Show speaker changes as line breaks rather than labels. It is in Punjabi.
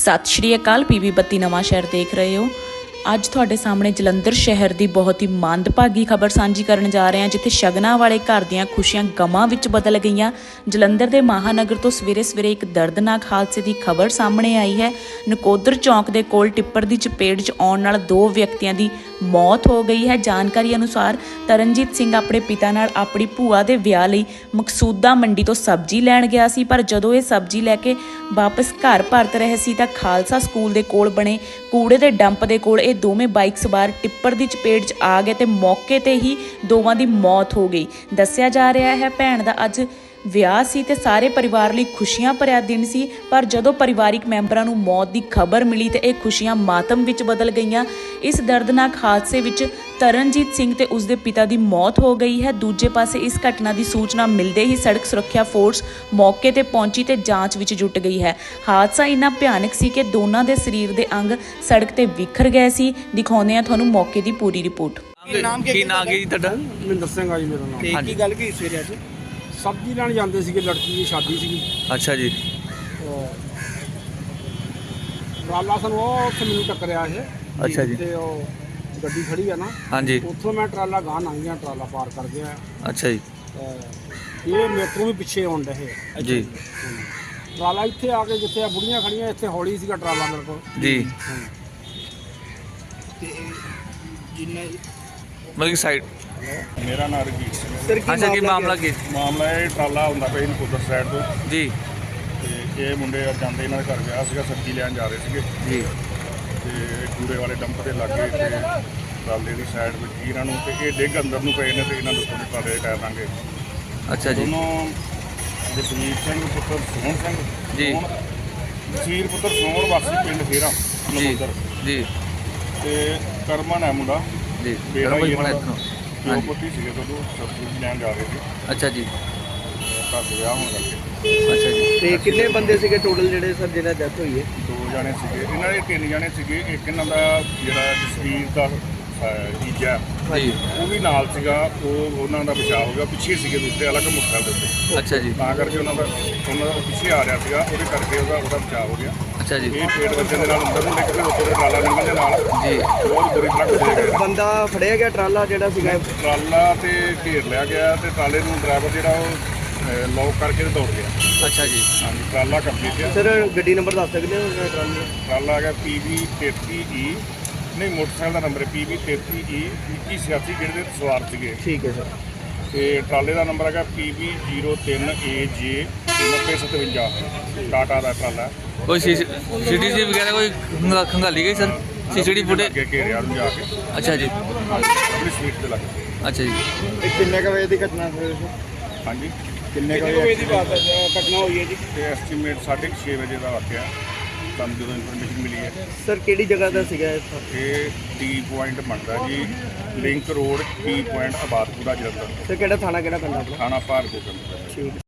सत श्री अकाल। पीवी 32 नवां शहर देख रहे हो। ਅੱਜ ਤੁਹਾਡੇ ਸਾਹਮਣੇ ਜਲੰਧਰ ਸ਼ਹਿਰ ਦੀ ਬਹੁਤ ਹੀ ਮੰਦਭਾਗੀ ਖਬਰ ਸਾਂਝੀ ਕਰਨ ਜਾ ਰਹੇ ਹਾਂ, ਜਿੱਥੇ ਸ਼ਗਨਾਂ ਵਾਲੇ ਘਰ ਦੀਆਂ ਖੁਸ਼ੀਆਂ ਗਮਾਂ ਵਿੱਚ ਬਦਲ ਗਈਆਂ। ਜਲੰਧਰ ਦੇ ਮਹਾਨਗਰ ਤੋਂ ਸਵੇਰੇ ਇੱਕ ਦਰਦਨਾਕ ਹਾਦਸੇ ਦੀ ਖਬਰ ਸਾਹਮਣੇ ਆਈ ਹੈ। ਨਕੋਦਰ ਚੌਂਕ ਦੇ ਕੋਲ ਟਿੱਪਰ ਦੀ ਚਪੇਟ 'ਚ ਆਉਣ ਨਾਲ 2 ਵਿਅਕਤੀਆਂ ਦੀ ਮੌਤ ਹੋ ਗਈ ਹੈ। ਜਾਣਕਾਰੀ ਅਨੁਸਾਰ ਤਰਨਜੀਤ ਸਿੰਘ ਆਪਣੇ ਪਿਤਾ ਨਾਲ ਆਪਣੀ ਭੂਆ ਦੇ ਵਿਆਹ ਲਈ ਮਕਸੂਦਾ ਮੰਡੀ ਤੋਂ ਸਬਜ਼ੀ ਲੈਣ ਗਿਆ ਸੀ, ਪਰ ਜਦੋਂ ਇਹ ਸਬਜ਼ੀ ਲੈ ਕੇ ਵਾਪਸ ਘਰ ਪਰਤ ਰਹੇ ਸੀ ਤਾਂ ਖਾਲਸਾ ਸਕੂਲ ਦੇ ਕੋਲ ਬਣੇ ਕੂੜੇ ਦੇ ਡੰਪ ਦੇ ਕੋਲ ਦੋਵੇਂ ਬਾਈਕ ਸਵਾਰ ਟਿੱਪਰ ਦੀ ਚਪੇਟ 'ਚ ਆ ਗਏ ਤੇ ਮੌਕੇ ਤੇ ਹੀ ਦੋਵਾਂ ਦੀ ਮੌਤ ਹੋ ਗਈ। ਦੱਸਿਆ ਜਾ ਰਿਹਾ ਹੈ ਭੈਣ ਦਾ ਅੱਜ ਵਿਆਹ ਸੀ ਤੇ ਸਾਰੇ ਪਰਿਵਾਰ ਲਈ ਖੁਸ਼ੀਆਂ ਭਰਿਆ ਦਿਨ ਸੀ, ਪਰ ਜਦੋਂ ਪਰਿਵਾਰਿਕ ਮੈਂਬਰਾਂ ਨੂੰ ਮੌਤ ਦੀ ਖਬਰ ਮਿਲੀ ਤੇ ਇਹ ਖੁਸ਼ੀਆਂ ਮਾਤਮ ਵਿੱਚ ਬਦਲ ਗਈਆਂ। ਇਸ ਦਰਦਨਾਕ ਹਾਦਸੇ ਵਿੱਚ ਤਰਨਜੀਤ ਸਿੰਘ ਤੇ ਉਸਦੇ ਪਿਤਾ ਦੀ ਮੌਤ ਹੋ ਗਈ ਹੈ। ਦੂਜੇ ਪਾਸੇ ਇਸ ਘਟਨਾ ਦੀ ਸੂਚਨਾ ਮਿਲਦੇ ਹੀ ਸੜਕ ਸੁਰੱਖਿਆ ਫੋਰਸ ਮੌਕੇ ਤੇ ਪਹੁੰਚੀ ਤੇ ਜਾਂਚ ਵਿੱਚ ਜੁਟ ਗਈ ਹੈ। ਹਾਦਸਾ ਇੰਨਾ ਭਿਆਨਕ ਸੀ ਕਿ ਦੋਨਾਂ ਦੇ ਸਰੀਰ ਦੇ ਅੰਗ ਸੜਕ ਤੇ ਵਿਖਰ ਗਏ ਸੀ। ਦਿਖਾਉਂਦੇ ਹਾਂ ਤੁਹਾਨੂੰ ਮੌਕੇ ਦੀ ਪੂਰੀ ਰਿਪੋਰਟ।
ਕੀ ਨਾਮ ਜੀ ਤੁਹਾਡਾ?
ਮਹਿੰਦਰ ਸਿੰਘ ਆ ਜੀ ਮੇਰਾ ਨਾਮ।
ਕੀ ਗੱਲ ਕੀ ਸਵੇਰੇ ਅੱਜ?
ਸਬਜ਼ੀ ਲੈਣ ਜਾਂਦੇ ਸੀਗੇ, ਲੜਕੀ ਦੀ ਸ਼ਾਦੀ ਸੀਗੀ।
ਅੱਛਾ ਜੀ।
ਟਰਾਲਾ ਸਾਨੂੰ ਉਹ ਉੱਥੇ ਮੈਨੂੰ ਟੱਕਰਿਆ ਇਹ।
ਅੱਛਾ ਜੀ।
ਤੇ ਉਹ ਗੱਡੀ ਖੜੀ ਆ ਨਾ,
ਹਾਂਜੀ।
ਉੱਥੋਂ ਮੈਂ ਟਰਾਲਾ ਗਾਹ ਲੰਘ ਗਿਆ, ਟਰਾਲਾ ਪਾਰ ਕਰ ਗਿਆ।
ਅੱਛਾ ਜੀ।
ਇਹ ਮੇਰੇ ਤੋਂ ਵੀ ਪਿੱਛੇ ਆਉਣ ਡਏ
ਜੀ।
ਟਰਾਲਾ ਇੱਥੇ ਆ ਕੇ ਜਿੱਥੇ ਆ ਬੁੜੀਆਂ ਖੜੀਆਂ, ਇੱਥੇ ਹੌਲੀ ਸੀਗਾ ਟਰਾਲਾ ਮੇਰੇ ਕੋਲ
ਜੀ।
ਤੇ ਜਿੰਨੇ
ਮਤਲਬ ਕਿ ਸਾਈਡ
ਮੇਰਾ ਨਾਮ ਰਜੀਤ ਸਿੰਘ ਹੈ।
ਸਰ ਕੀ ਮਾਮਲਾ ਕੀ?
ਮਾਮਲਾ ਇਹ ਟਰਾਲਾ ਹੁੰਦਾ ਪਿਆ ਨਕੋਦਰ ਸਾਈਡ ਤੋਂ,
ਜੀ।
ਤੇ ਇਹ ਮੁੰਡੇ ਜਾਂਦੇ ਇਹਨਾਂ ਦੇ ਘਰ ਵਿਆਹ ਸੀਗਾ, ਸਬਜ਼ੀ ਲੈਣ ਜਾ ਰਹੇ ਸੀਗੇ
ਜੀ।
ਤੇ ਕੂੜੇ ਵਾਲੇ ਡੰਪ ਦੇ ਲਾਗੇ ਤੇ ਟਰਾਲੇ ਦੀ ਸਾਈਡ ਵਿੱਚ ਹੀ ਇਹਨਾਂ ਨੂੰ, ਤੇ ਇਹ ਡਿੱਗ ਅੰਦਰ ਨੂੰ ਪਏ ਨੇ ਤੇ ਇਹਨਾਂ ਦੇ ਉੱਤੋਂ ਦੀ ਟਰਾਲੇ ਦੇ ਟਾਇਰ ਲੰਘੇ।
ਅੱਛਾ ਜੀ।
ਦੋਨੋਂ ਜਸਵੀਰ ਸਿੰਘ ਪੁੱਤਰ ਸੋਹਣ ਸਿੰਘ
ਜੀ।
ਜਸਵੀਰ ਪੁੱਤਰ ਸੋਹਣ ਵਾਸੀ ਪਿੰਡ ਫੇਰਾ ਨਕੋਦਰ
ਜੀ।
ਤੇ ਕਰਮਨ ਹੈ ਮੁੰਡਾ
ਜੀ।
ਬੇੜਾ ਹੀ
ਬੜਾ
ਇਹਨਾਂ ਦਾ।
ਇੱਥੋਂ।
ਦੋ ਪੁੱਤੀ ਸੀਗੇ ਜਦੋਂ ਸਬਜ਼ੀ ਲੈਣ ਜਾ ਰਹੇ ਸੀ,
ਅੱਛਾ ਜੀ।
ਘਰ ਦੇ ਵਿਆਹ ਹੋਣ ਕਰਕੇ।
ਅੱਛਾ ਜੀ।
ਤੇ ਕਿੰਨੇ ਬੰਦੇ ਸੀਗੇ ਟੋਟਲ ਜਿਹੜੇ ਸਰ ਜਿਹਨਾਂ ਡੈਥ ਹੋਈ ਹੈ?
2 ਜਾਣੇ ਸੀਗੇ, ਇਹਨਾਂ ਦੇ 3 ਜਾਣੇ ਸੀਗੇ। ਇੱਕ ਇਹਨਾਂ ਦਾ ਜਿਹੜਾ ਜਸਵੀਰ ਦਾ ਜੀਜਾ
ਜੀ।
ਉਹ ਵੀ ਨਾਲ ਸੀਗਾ, ਉਹਨਾਂ ਦਾ ਬਚਾਅ ਹੋ ਗਿਆ। ਪਿੱਛੇ ਸੀਗੇ ਦੂਸਰੇ ਅਲੱਗ ਮੋਟਰਸਾਈਕਲ ਦੇ ਉੱਤੇ,
ਅੱਛਾ ਜੀ।
ਤਾਂ ਕਰਕੇ ਉਹਨਾਂ ਦਾ ਪਿੱਛੇ ਆ ਰਿਹਾ ਸੀਗਾ, ਉਹਦੇ ਕਰਕੇ ਉਹਦਾ ਬਚਾਅ ਹੋ ਗਿਆ।
ਅੱਛਾ ਜੀ।
ਇਹ ਪੇਟ ਵੱਜਣ ਦੇ ਨਾਲ ਅੰਦਰ ਨੂੰ ਨਿਕਲ ਕੇ ਉੱਤੇ ਟਰਾਲਾ ਨਿਕਲਣ ਦੇ ਨਾਲ
ਜੀ।
ਬਹੁਤ ਬੁਰੀ ਤਰ੍ਹਾਂ ਫਸੇ ਗਏ।
ਬੰਦਾ ਫੜਿਆ ਗਿਆ ਟਰਾਲਾ ਜਿਹੜਾ ਸੀਗਾ?
ਟਰਾਲਾ ਤੇ ਘੇਰ ਲਿਆ ਗਿਆ ਤੇ ਟਰਾਲੇ ਨੂੰ ਡਰਾਈਵਰ ਜਿਹੜਾ ਉਹ ਲੌਕ ਕਰਕੇ ਤੇ ਦੌੜ ਗਿਆ।
ਅੱਛਾ ਜੀ।
ਹਾਂਜੀ, ਟਰਾਲਾ ਕੰਪਲੀਟ ਹੈ।
ਸਰ ਗੱਡੀ ਨੰਬਰ ਦੱਸ ਸਕਦੇ ਹੋ ਟਰਾਲੇ ਦਾ?
ਟਰਾਲਾ ਹੈਗਾ PV 33E, ਨਹੀਂ ਮੋਟਰਸਾਈਕਲ ਦਾ ਨੰਬਰ ਹੈ PV 33E 2186, ਜਿਹੜੇ ਦੇ ਸਵਾਰ ਸੀਗੇ।
ਠੀਕ ਹੈ ਸਰ।
ਤੇ ਟਰਾਲੇ ਦਾ ਨੰਬਰ ਹੈਗਾ PV 03AJ 9057, ਟਾਟਾ ਦਾ ਟਰਾਲਾ।
ਕੋਈ CCTV ਵਗੈਰਾ ਕੋਈ ਖੰਗਾਲੀ ਗਈ ਸਰ? CCTV footage?
ਅੱਗੇ ਘੇਰਿਆ ਨੂੰ ਜਾ ਕੇ
ਅੱਛਾ ਜੀ।
ਆਪਣੀ ਸਪੀਡ ਤੇ ਲੱਗ ਗਏ।
ਅੱਛਾ ਜੀ।
ਇਹ ਕਿੰਨੇ ਕ ਵਜੇ ਦੀ ਘਟਨਾ ਹੋਈ?
ਹਾਂਜੀ,
ਕਿੰਨੇ ਵਜੇ ਦੀ ਘਟਨਾ ਹੋਈ ਹੈ ਜੀ?
ਤੇ ਐਸਟੀਮੇਟ 6:30 ਵਜੇ ਦਾ ਵਾਕਿਆ ਸਾਨੂੰ ਜਦੋਂ ਇਨਫੋਰਮੇਸ਼ਨ ਮਿਲੀ ਹੈ।
ਸਰ ਕਿਹੜੀ ਜਗ੍ਹਾ ਦਾ ਸੀਗਾ ਇਹ?
ਇਹ ਟੀ ਪੁਆਇੰਟ ਬਣਦਾ ਜੀ, link road T point Abadpura Jalandhar,
sir ਕਿਹੜਾ ਥਾਣਾ ਕਿਹੜਾ ਪੈਂਦਾ ਆਪਣਾ?
ਥਾਣਾ ਭਾਰਗੋ ਪਿੰਡ।
ਠੀਕ।